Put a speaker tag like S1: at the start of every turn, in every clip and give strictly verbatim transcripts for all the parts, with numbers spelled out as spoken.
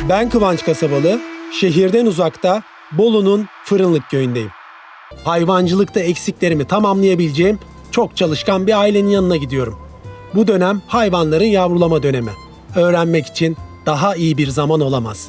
S1: Ben Kıvanç Kasabalı, şehirden uzakta Bolu'nun Fırınlık köyündeyim. Hayvancılıkta eksiklerimi tamamlayabileceğim çok çalışkan bir ailenin yanına gidiyorum. Bu dönem hayvanların yavrulama dönemi. Öğrenmek için daha iyi bir zaman olamaz.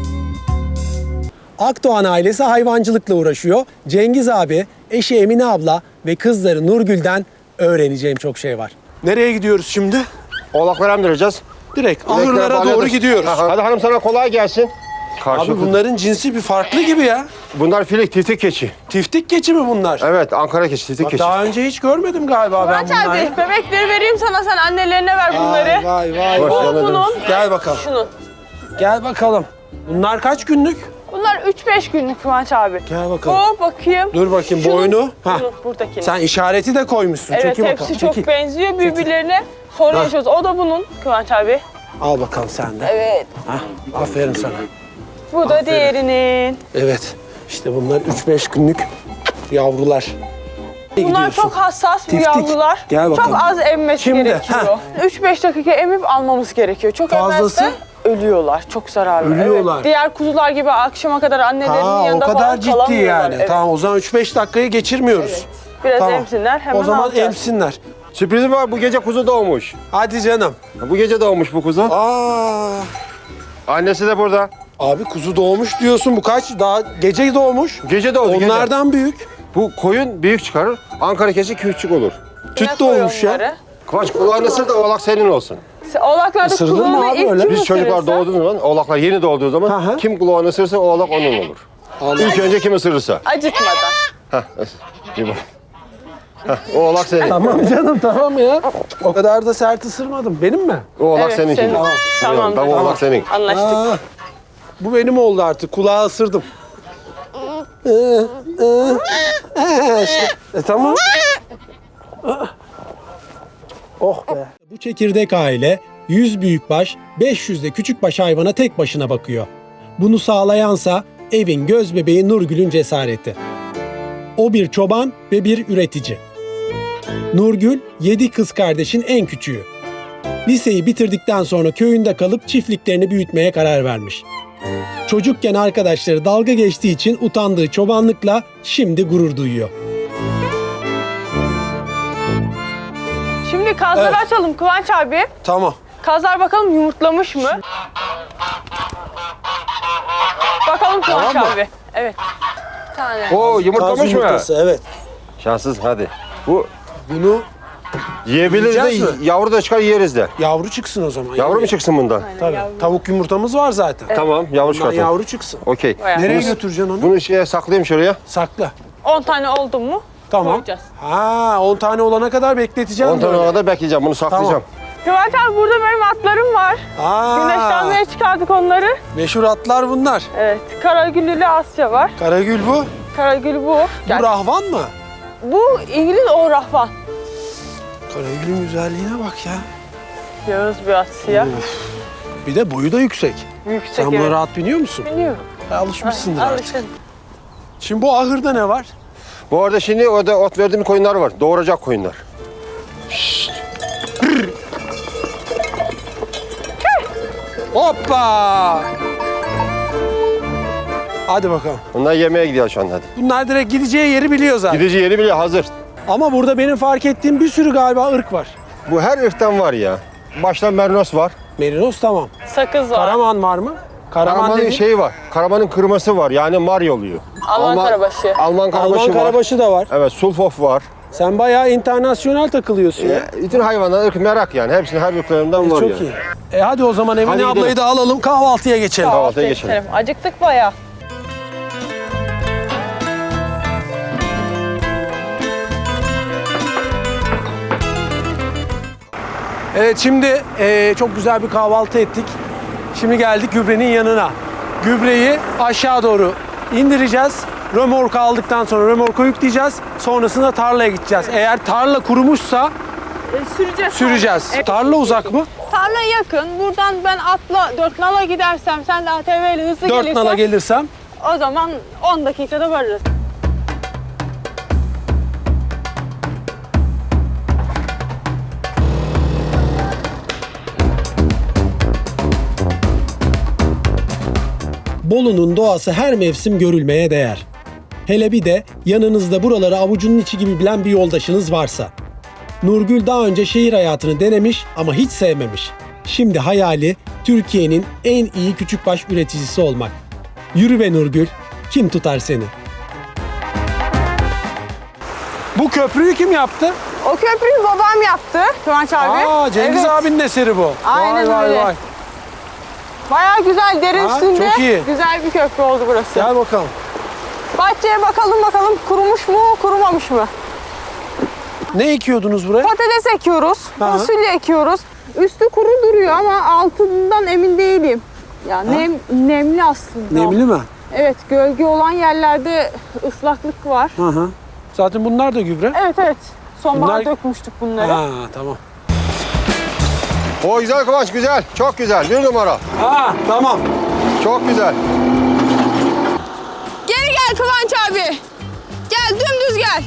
S1: Akdoğan ailesi hayvancılıkla uğraşıyor. Cengiz abi, eşi Emine abla ve kızları Nurgül'den öğreneceğim çok şey var. Nereye gidiyoruz şimdi?
S2: Oğlakları emdireceğiz.
S1: Direkt ahırlara doğru gidiyoruz.
S2: Hadi hanım sana kolay gelsin.
S1: Abi bunların cinsi bir farklı gibi ya.
S2: Bunlar filik, tiftik keçi.
S1: Tiftik keçi mi bunlar?
S2: Evet, Ankara keçi, tiftik
S1: Bak,
S2: keçi.
S1: daha önce hiç görmedim galiba ben
S3: Kıvanç
S1: bunları.
S3: abi bebekleri vereyim sana, sen annelerine ver bunları.
S1: Vay vay
S2: Hoş
S1: vay.
S2: geldin.
S3: Bunun,
S1: Gel bakalım.
S3: şunun.
S1: Gel bakalım. Bunlar kaç günlük?
S3: Bunlar üç beş günlük Kıvanç abi.
S1: Gel bakalım.
S3: Hop bakayım.
S1: Dur bakayım
S3: Şunun-
S1: boynu. Ha.
S3: Şunun, buradaki.
S1: Sen işareti de koymuşsun.
S3: Evet,
S1: Çekil
S3: hepsi
S1: bakalım.
S3: çok
S1: Çekil.
S3: benziyor birbirlerine. Sorun
S1: Ha.
S3: yaşıyoruz. O da bunun Kıvanç abi.
S1: Al bakalım sen de.
S3: Evet.
S1: Hah, aferin sana.
S3: Bu da diğerinin.
S1: Evet. İşte bunlar üç beş günlük yavrular.
S3: Bunlar
S1: Gidiyorsun.
S3: çok hassas bu
S1: Tiftik.
S3: yavrular.
S1: Gel bakalım.
S3: Çok az emmesi
S1: Şimdi,
S3: gerekiyor. üç beş dakika emip almamız gerekiyor. Çok
S1: Fazlası?
S3: emmezse ölüyorlar. Çok zararlı.
S1: Ölüyorlar.
S3: Evet. Diğer kuzular gibi akşama kadar annelerinin
S1: Ha, o
S3: yanında
S1: kadar
S3: falan
S1: ciddi
S3: kalamıyorlar.
S1: yani.
S3: Evet.
S1: Tamam, o zaman üç beş dakikayı geçirmiyoruz.
S3: Biraz
S1: Tamam.
S3: emsinler, hemen
S1: O zaman
S3: alacağız.
S1: emsinler.
S2: Sürprizim var, bu gece kuzu doğmuş.
S1: Hadi canım.
S2: Bu gece doğmuş bu kuzu.
S1: Aa,
S2: Annesi de burada.
S1: abi kuzu doğmuş diyorsun. Bu kaç? Daha gece doğmuş.
S2: Gece doğdu, gece.
S1: Onlardan büyük.
S2: Bu koyun büyük çıkarır, Ankara keçi küçük olur.
S1: Tüt
S3: Yine koy
S1: doğmuş ya.
S3: onları.
S2: Kıvanç, kulağını ısır da oğlak senin olsun.
S3: Oğlaklarda
S1: Isırılır mı
S3: kulağını
S1: abi
S3: ilk
S1: öyle?
S3: kim
S2: Biz çocuklar
S3: ısırırsa-
S2: doğduğu zaman, oğlaklar yeni doğduğu zaman
S1: Hı hı.
S2: kim kulağını ısırırsa o oğlak onun olur. İlk önce kim ısırırsa.
S3: Acıtmadan.
S2: Hah, bir bak. Hah, o oğlak senin.
S1: Tamam canım, tamam ya. O kadar da sert ısırmadım. Benim mi?
S2: O oğlak
S3: Evet,
S2: senin
S3: senin.
S2: şimdi.
S3: Tamam.
S2: Tamam, oğlak senin.
S3: Anlaştık.
S1: Aa, bu benim oldu artık. Kulağı ısırdım. Ee, e, e, işte. E, tamam. Oh be. Bu çekirdek aile yüz büyükbaş, beş yüz de küçükbaş hayvana tek başına bakıyor. Bunu sağlayansa evin göz bebeği Nurgül'ün cesareti. O bir çoban ve bir üretici. Nurgül, yedi kız kardeşin en küçüğü. Liseyi bitirdikten sonra köyünde kalıp çiftliklerini büyütmeye karar vermiş. Çocukken arkadaşları dalga geçtiği için utandığı çobanlıkla şimdi gurur duyuyor.
S3: Şimdi kazları
S1: Evet.
S3: açalım Kıvanç abi.
S1: Tamam.
S3: Kazlar bakalım yumurtlamış mı? Bakalım Kıvanç
S1: Tamam mı?
S3: abi. Evet. Bir tane.
S2: O
S1: Kaz
S2: yumurtlamış mı?
S1: yumurtası, evet.
S2: Şanssız hadi. Bu
S1: Bunu
S2: yiyebiliriz de
S1: Yiyeceğiz mi?
S2: yavru da çıkar yeriz de.
S1: yavru çıksın o zaman.
S2: Yavru mu çıksın bundan?
S1: Tabii. Tavuk yumurtamız var zaten.
S2: Tamam, yavru
S1: Bundan
S2: çıkartalım.
S1: yavru çıksın.
S2: Okey.
S3: Bayağı.
S1: Nereye
S2: Bunu-
S1: götüreceksin onu?
S2: Bunu şeye saklayayım şuraya.
S1: Sakla.
S3: on tane oldu mu?
S1: Tamam.
S3: Koyacağız.
S1: Ha, on tane olana kadar bekleteceğim.
S2: on tane
S1: böyle.
S2: kadar bekleyeceğim, bunu saklayacağım.
S3: Kıvanç abi burada benim atlarım var.
S1: Aa,
S3: Güneşlenmeye çıkardık onları.
S1: meşhur atlar bunlar.
S3: Evet. Karagüllü Asya var.
S1: Karagül bu.
S3: Karagül bu.
S1: Bu
S3: Gel.
S1: rahvan mı?
S3: Bu İngiliz o rahvan.
S1: Karagül'ün güzelliğine bak ya.
S3: Yağız bir at siyah.
S1: Bir de boyu da yüksek.
S3: Yüksek
S1: Sen buna
S3: evet.
S1: rahat biniyor musun?
S3: Biliyorum.
S1: Ha, alışmışsındır artık.
S3: Alışın.
S1: Şimdi bu ahırda ne var?
S2: Bu arada şimdi orada ot verdiğim koyunlar var. Doğuracak koyunlar.
S1: Hoppa! Hadi bakalım.
S2: Bunlar yemeğe gidiyor şu anda hadi.
S1: Bunlar direkt gideceği yeri biliyor zaten.
S2: Gidici yeri bile hazır.
S1: Ama burada benim fark ettiğim bir sürü galiba ırk var.
S2: Bu her ırktan var ya. Baştan mernos var.
S1: Merinos tamam.
S3: Sakız var.
S1: Karaman var mı? Karaman
S2: Karamanın
S1: dediğin-
S2: şeyi var. Karamanın kırması var. Yani mar oluyor.
S3: Alman karabaşı.
S2: Alman karabaşı
S1: Alman
S2: var.
S1: karabaşı da var.
S2: Evet, sulfof var.
S1: Sen bayağı internasyonel takılıyorsun ya.
S2: Ya, bütün hayvanlar ırk merak yani. Hepsinin her ırklarından var
S1: Çok
S2: yani.
S1: iyi. E hadi o zaman Emine
S2: Hadi
S1: ablayı
S2: gidelim.
S1: da alalım, kahvaltıya geçelim.
S2: Kahvaltıya geçelim.
S3: Acıktık bayağı.
S1: Evet, şimdi e, çok güzel bir kahvaltı ettik. Şimdi geldik gübrenin yanına. Gübreyi aşağı doğru indireceğiz. Römorka aldıktan sonra römorka yükleyeceğiz. Sonrasında tarlaya gideceğiz. Eğer tarla kurumuşsa
S3: süreceğiz.
S1: süreceğiz.
S3: Evet.
S1: Tarla uzak mı?
S3: Tarla yakın. Buradan ben atla dört nala gidersem, sen de A T V ile hızlı
S1: Dört
S3: gelirsen,
S1: nala gelirsem.
S3: o zaman on dakikada varırız.
S1: Bolu'nun doğası her mevsim görülmeye değer. Hele bir de yanınızda buraları avucunun içi gibi bilen bir yoldaşınız varsa. Nurgül daha önce şehir hayatını denemiş ama hiç sevmemiş. Şimdi hayali Türkiye'nin en iyi küçükbaş üreticisi olmak. Yürü be Nurgül, kim tutar seni? Bu köprüyü kim yaptı?
S3: O köprüyü babam yaptı Kıvanç abi.
S1: Aa, Cengiz
S3: Evet.
S1: abinin eseri bu.
S3: Aynen
S1: vay,
S3: öyle.
S1: Vay vay.
S3: Bayağı güzel, derin
S1: Ha,
S3: üstünde.
S1: çok iyi.
S3: Güzel bir köprü oldu burası.
S1: Gel bakalım.
S3: Bahçeye bakalım bakalım kurumuş mu, kurumamış mı?
S1: Ne ekiyordunuz buraya?
S3: Patates ekiyoruz,
S1: Aha.
S3: fasulye ekiyoruz. Üstü kuru duruyor ama altından emin değilim. Ya nem, nemli aslında.
S1: Nemli mi?
S3: Evet, gölge olan yerlerde ıslaklık var.
S1: Hı hı. Zaten bunlar da gübre.
S3: Evet evet. Sonbahar
S1: Bunlar-
S3: dökmüştük bunları.
S1: Ha, tamam.
S2: O güzel Kıvanç, güzel. Çok güzel. Bir numara.
S1: Ha, tamam.
S2: Çok güzel.
S3: Geri gel Kıvanç abi. Gel dümdüz gel.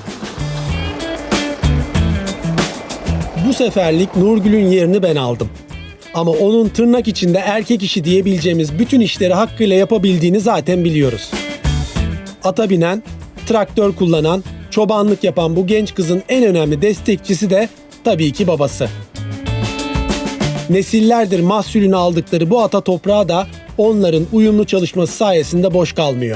S1: Bu seferlik Nurgül'ün yerini ben aldım. Ama onun tırnak içinde erkek işi diyebileceğimiz bütün işleri hakkıyla yapabildiğini zaten biliyoruz. Ata binen, traktör kullanan, çobanlık yapan bu genç kızın en önemli destekçisi de tabii ki babası. Nesillerdir mahsulünü aldıkları bu ata toprağı da onların uyumlu çalışması sayesinde boş kalmıyor.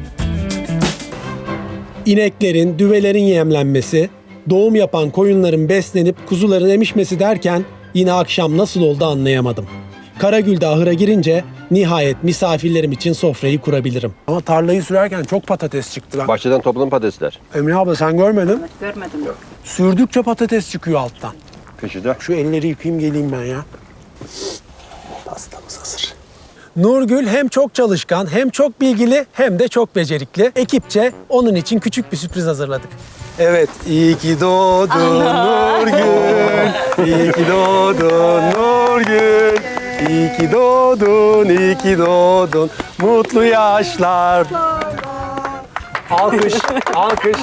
S1: İneklerin, düvelerin yemlenmesi, doğum yapan koyunların beslenip kuzuların emişmesi derken yine akşam nasıl oldu anlayamadım. Karagül'de ahıra girince nihayet misafirlerim için sofrayı kurabilirim. Ama tarlayı sürerken çok patates çıktı lan.
S2: Bahçeden topladım patatesler.
S1: Emine abla sen görmedin.
S4: Görmedim.
S1: Sürdükçe patates çıkıyor alttan.
S2: Peşinde.
S1: Şu elleri yıkayayım geleyim ben ya. Pastamız hazır. Nurgül hem çok çalışkan, hem çok bilgili, hem de çok becerikli. Ekipçe onun için küçük bir sürpriz hazırladık. Evet, iyi ki doğdun Nurgül. İyi ki doğdun Nurgül. İyi ki doğdun, iyi ki doğdun. Mutlu yaşlar. Alkış, alkış.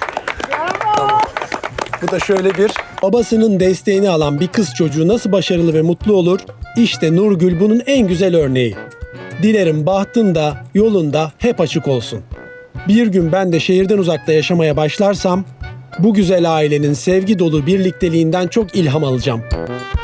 S1: Bu da şöyle bir... Babasının desteğini alan bir kız çocuğu nasıl başarılı ve mutlu olur? İşte Nurgül bunun en güzel örneği. Dilerim bahtın da yolun da hep açık olsun. Bir gün ben de şehirden uzakta yaşamaya başlarsam bu güzel ailenin sevgi dolu birlikteliğinden çok ilham alacağım.